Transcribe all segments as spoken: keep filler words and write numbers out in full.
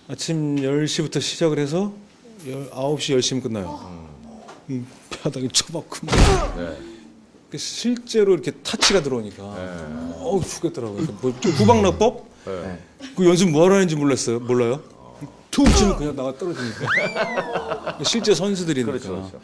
아침 열 시부터 시작을 해서 아홉 시 열 시면 끝나요. 이 바닥에 처박고 네. 실제로 이렇게 타치가 들어오니까 네. 어우 죽겠더라고요. 뭐 후방납법? 네. 그 연습 뭐하러 하는지 몰랐어요. 몰라요? 툭 치면 그냥 나가 떨어지니까. 실제 선수들이니까. 그렇죠, 그렇죠.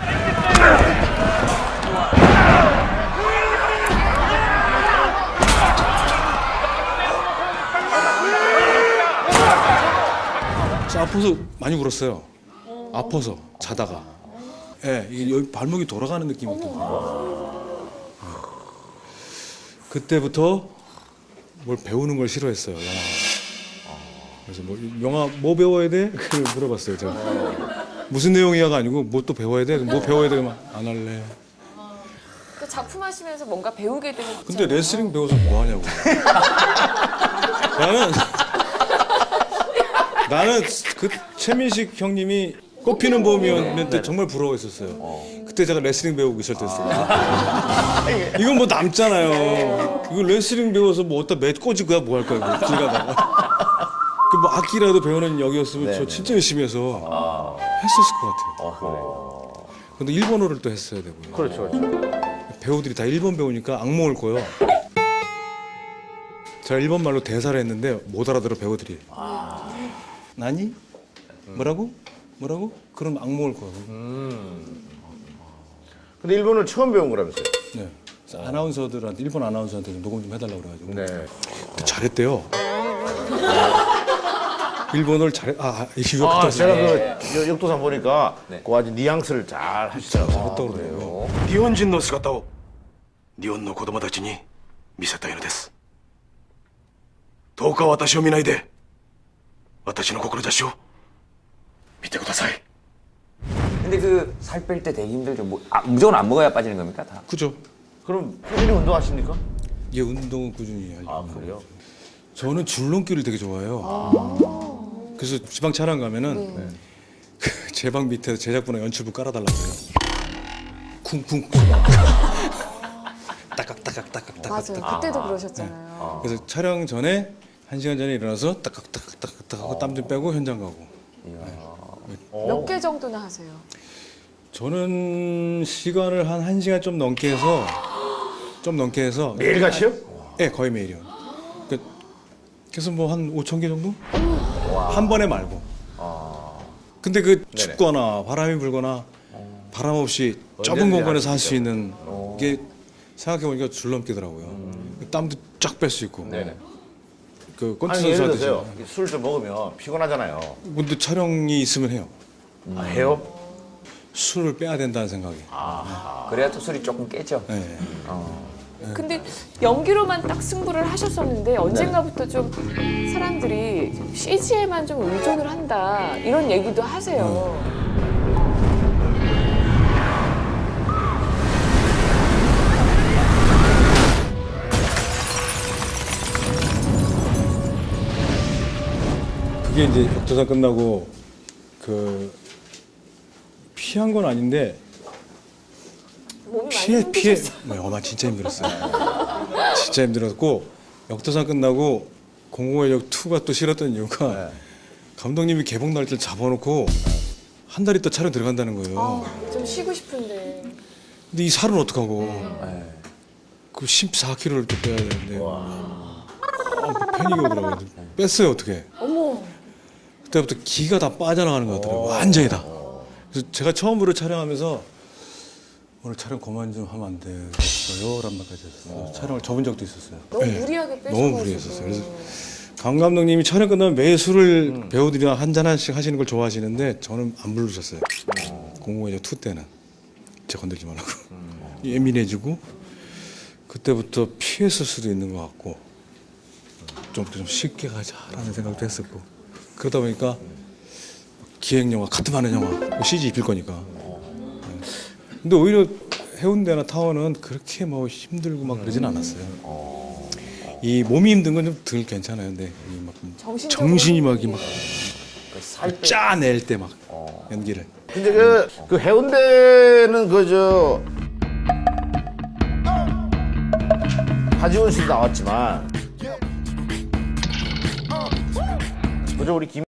저 아파서 많이 울었어요. 아파서 자다가. 예, 이게 여기 발목이 돌아가는 느낌이었거든요. 그때부터 뭘 배우는 걸 싫어했어요. 영화. 그래서 뭐 영화 뭐 배워야 돼? 그걸 물어봤어요. 제가. 무슨 내용이야가 아니고 뭐 또 배워야 돼? 뭐 배워야 돼? 안 할래. 그 작품 하시면서 뭔가 배우게 되는. 근데 레슬링 배워서 뭐 하냐고. 나는 나는 그 최민식 형님이 꽃피는 봄이었는데 정말 부러워했었어요. 그때 제가 레슬링 배우고 있을 때였어요. 이건 뭐 남잖아요. 이거 레슬링 배워서 뭐 어디다 매 꽂을 거야 뭐 할 거야 뭐 길 가다가. 그 뭐 악기라도 배우는 역이었으면 저 진짜 열심히 해서 했었을 것 같아요. 아, 그래요. 근데 일본어를 또 했어야 되고요. 그렇죠, 그렇죠. 배우들이 다 일본 배우니까 악몽을 꿔요. 제가 일본 말로 대사를 했는데 못 알아들어 배우들이. 나니? 뭐라고? 뭐라고? 그럼 악몽을 꿔요. 근데 일본을 처음 배운 거라면서요? 네. 그래서 아나운서들한테 일본 아나운서한테 좀 녹음 좀 해달라고 그래가지고 네. 잘했대요. 일본어를 잘해. 아, 이거 아, 아, 제가 그 여- 역도산 보니까 그 아주 뉘앙스를 잘 하시더라고요. 잘했다고 그러더라고요. 日本人の姿を日本の子供たちに見せたいのです。どうか私を見ないで私の志を見てください。 근데 그 살 뺄 때 되게 힘들죠. 뭐, 아, 무조건 안 먹어야 빠지는 겁니까? 다. 그죠? 그럼 꾸준히 운동하십니까? 이게 운동은 꾸준히 하죠. 아, 그래요? 저는 줄넘기를 되게 좋아해요. 그래서 지방 촬영 가면은 그 제 방 밑에 제작부나 연출부 깔아달라고 해요. 쿵쿵. 따깍 따깍 따깍 따깍. 맞아요. 그때도 그러셨잖아요. 그래서 촬영 전에 한 시간 전에 일어나서 따깍 따깍 따깍 따깍 하고 땀 좀 빼고 현장 가고. 몇 개 정도나 하세요? 저는 시간을 한 1시간 좀 넘게 해서 좀 넘게 해서 매일같이요? 네, 거의 매일이요. 그, 그래서 뭐 한 오천 개 정도? 한 번에 말고. 근데 그 춥거나 바람이 불거나 바람 없이 좁은 언제든지 공간에서 할 수 하시죠. 있는 게 생각해보니까 줄넘기더라고요. 땀도 쫙 뺄 수 있고. 네네. 그 꼰치 아니, 예를 선수 들어서요. 하듯이. 술 좀 먹으면 피곤하잖아요. 근데 촬영이 있으면 해요. 아, 해요? 술을 빼야 된다는 생각이. 그래야 또 술이 조금 깨죠. 네. 근데 연기로만 딱 승부를 하셨었는데 언젠가부터 좀 사람들이 씨지에만 좀 의존을 한다 이런 얘기도 하세요. 그게 이제 역도사 끝나고 그 피한 건 아닌데 몸이 많이 피해 피해 힘드셨어요. 네, 어마 진짜 힘들었어요. 진짜 힘들었고 역도사 끝나고 공공의적 이가 또 싫었던 이유가 감독님이 개봉 날짜를 잡아놓고 한 달이 또 촬영 들어간다는 거예요. 아, 좀 쉬고 싶은데. 근데 이 살은 어떡하고? 그 십사 킬로그램을 또 빼야 되는데 아, 그 패닉이 오더라고요. 뺐어요 어떻게? 어머. 그때부터 기가 다 빠져나가는 것 같더라고요. 완전히 다. 그래서 제가 처음으로 촬영하면서 오늘 촬영 그만 좀 하면 안 되겠어요? 라는 말까지 했어요. 촬영을 접은 적도 있었어요. 너무 네. 무리하게 빼셔가지고. 너무 무리했었어요. 그래서 강 감독님이 촬영 끝나면 매일 술을 배우들이랑 한잔 한씩 하시는 걸 좋아하시는데 저는 안 부르셨어요. 공공의적 이 때는 제 건들지 말라고. 예민해지고 그때부터 피했을 수도 있는 것 같고 좀, 좀 쉽게 가자라는 생각도 했었고 그러다 보니까 기획 영화, 카트 많은 영화, 씨지 입힐 거니까. 근데 오히려 해운대나 타워는 그렇게 뭐 힘들고 막 그러진 않았어요. 이 몸이 힘든 건 좀 덜 괜찮아요. 근데 이 막 정신적으로 정신이 막, 이 막 살 빼. 짜낼 때 막 연기를. 근데 그, 그 해운대는 그저 하지원 씨도 나왔지만 그저 우리 김